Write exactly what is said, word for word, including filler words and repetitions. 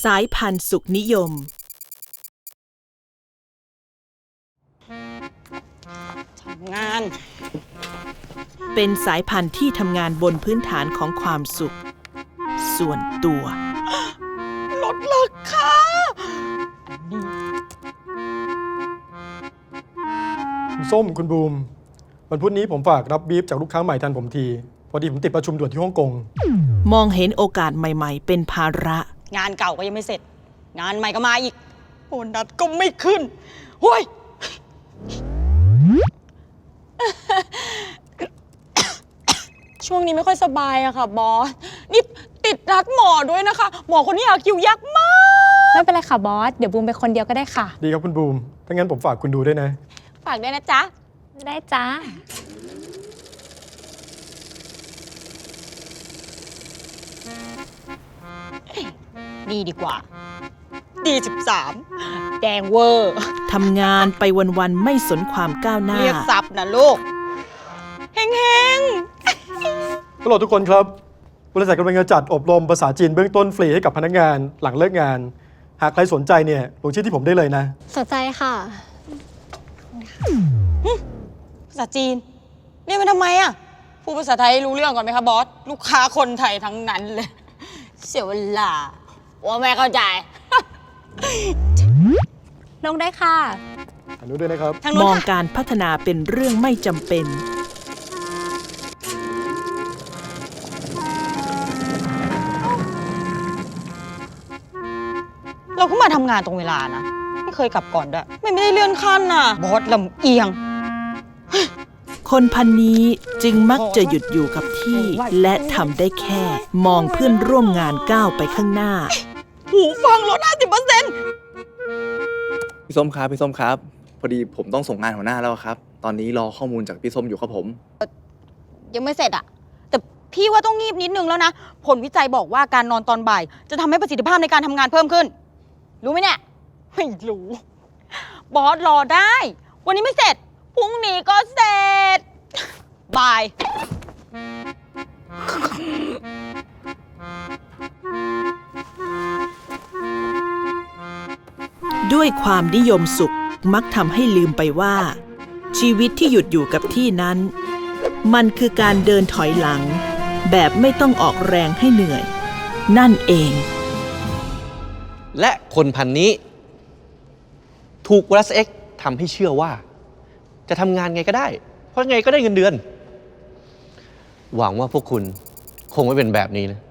สายพันธุ์สุขนิยมทำงานเป็นสายพันธุ์ที่ทำงานบนพื้นฐานของความสุขส่วนตัวลดราคาคุณส้มคุณบูมวันพุธนี้ผมฝากรับบีฟจากลูกค้าใหม่ทันผมทีพอดีผมติดประชุมด่วนที่ฮ่องกงมองเห็นโอกาสใหม่ๆเป็นภาระงานเก่าก็ยังไม่เสร็จงานใหม่ก็มาอีกโบนัสก็ไม่ขึ้นโว้ยช่วงนี้ไม่ค่อยสบายอะค่ะบอสนี่ติดนัดหมอด้วยนะคะหมอคนนี้หาคิวยากมากไม่เป็นไรค่ะบอสเดี๋ยวบูมไปคนเดียวก็ได้ค่ะดีครับคุณบูมถ้างั้นผมฝากคุณดูด้วยนะฝากด้วยนะจ๊ะได้จ้าดีดีกว่าดีสิบสามแดงเวอร์ทำงานไปวันๆไม่สนความก้าวหน้าเรียกซับนะลูกเฮงเฮงฮัลโหลทุกคนครับบริษัทกำลังจะจัดอบรมภาษาจีนเบื้องต้นฟรีให้กับพนักงานหลังเลิกงานหากใครสนใจเนี่ยลงชื่อที่ผมได้เลยนะสนใจค่ะภาษาจีนเรียนมาทำไมอ่ะพูดภาษาไทยรู้เรื่องก่อนไหมคะบอสลูกค้าคนไทยทั้งนั้นเลยเสียเวลาว่าแม่เข้าใจลงได้ค่ะอนุด้วยนะครับมองการพัฒนาเป็นเรื่องไม่จำเป็นเราก็มาทำงานตรงเวลานะไม่เคยกลับก่อนด้วยไม่ไม่ได้เลื่อนขั้นน่ะบอสลำเอียงคนพันนี้จึงมักจะหยุดอยู่กับที่และทำได้แค่มองเพื่อนร่วมงานก้าวไปข้างหน้าหูฟังลด ห้าสิบเปอร์เซ็นต์พี่ส้มครับพี่ส้มครับพอดีผมต้องส่งงานหัวหน้าแล้วครับตอนนี้รอข้อมูลจากพี่ส้มอยู่ครับผมยังไม่เสร็จอะแต่พี่ว่าต้องงีบนิดนึงแล้วนะผลวิจัยบอกว่าการนอนตอนบ่ายจะทำให้ประสิทธิภาพในการทำงานเพิ่มขึ้นรู้ไหมเนี่ยไม่รู้บอสรอได้วันนี้ไม่เสร็จพรุ่งนี้ก็เสร็จบายด้วยความนิยมสุขมักทำให้ลืมไปว่าชีวิตที่หยุดอยู่กับที่นั้นมันคือการเดินถอยหลังแบบไม่ต้องออกแรงให้เหนื่อยนั่นเองและคนพันนี้ถูก Plus X ทำให้เชื่อว่าจะทำงานไงก็ได้เพราะไงก็ได้เงินเดือนหวังว่าพวกคุณคงไม่เป็นแบบนี้นะ